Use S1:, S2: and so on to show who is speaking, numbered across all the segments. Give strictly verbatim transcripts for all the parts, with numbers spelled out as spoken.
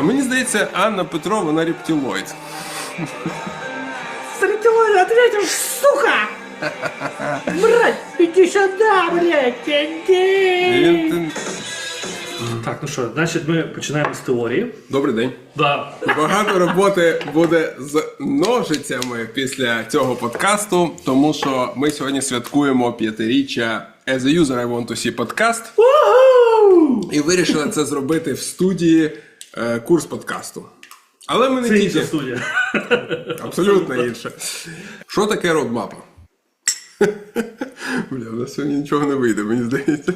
S1: мені здається, Анна Петро, вона рептилоїд.
S2: С рептилоида ответишь, сука! Брать, иди сюда, блядь, иди!
S1: Він...
S2: Так, ну що, значить ми починаємо з теорії.
S1: Добрий день.
S2: Да.
S1: Багато роботи буде з ножицями після цього подкасту, тому що ми сьогодні святкуємо п'ятиріччя As a User I Want to See подкаст. І вирішили це зробити в студії е, курс подкасту. Але ми не
S2: Це
S1: тільки.
S2: інша студія.
S1: Абсолютно інше. Що таке родмапа? Бля, у нас сьогодні нічого не вийде, мені здається.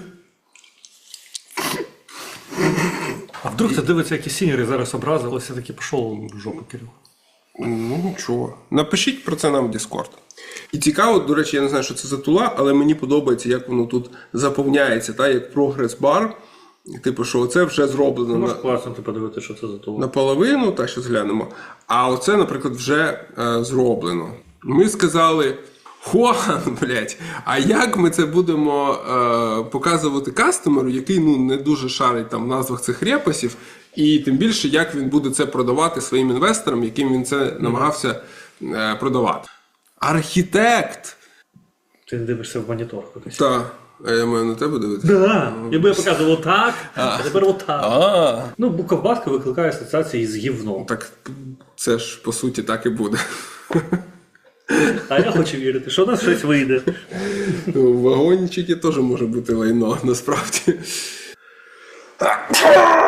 S2: А вдруг ти дивиться, які сіньори зараз образилися, такі пішов в жопу, Кирил.
S1: Ну нічого. Напишіть про це нам в Discord. І цікаво, до речі, я не знаю, що це за тула, але мені подобається, як воно тут заповняється, та, як прогрес-бар. Типу, що оце вже зроблено
S2: Ну,
S1: на,
S2: може класно ти подивитися, що це за того.
S1: наполовину, так що зглянемо. А оце, наприклад, вже е, зроблено. Ми сказали, Хуан, блядь, а як ми це будемо е, показувати кастомеру, який ну, не дуже шарить там в назвах цих репасів, і тим більше, як він буде це продавати своїм інвесторам, яким він це намагався е, продавати. Архітект!
S2: Ти дивишся в монітор кудись.
S1: Та, а я маю на тебе дивитися?
S2: Да, якби я показував отак, а тепер отак.
S1: А,
S2: Ну, буковбатка викликає асоціації з гівном.
S1: так це ж по суті так і буде.
S2: А я хочу вірити, що у нас щось вийде.
S1: В вагончики теж може бути лайно, насправді.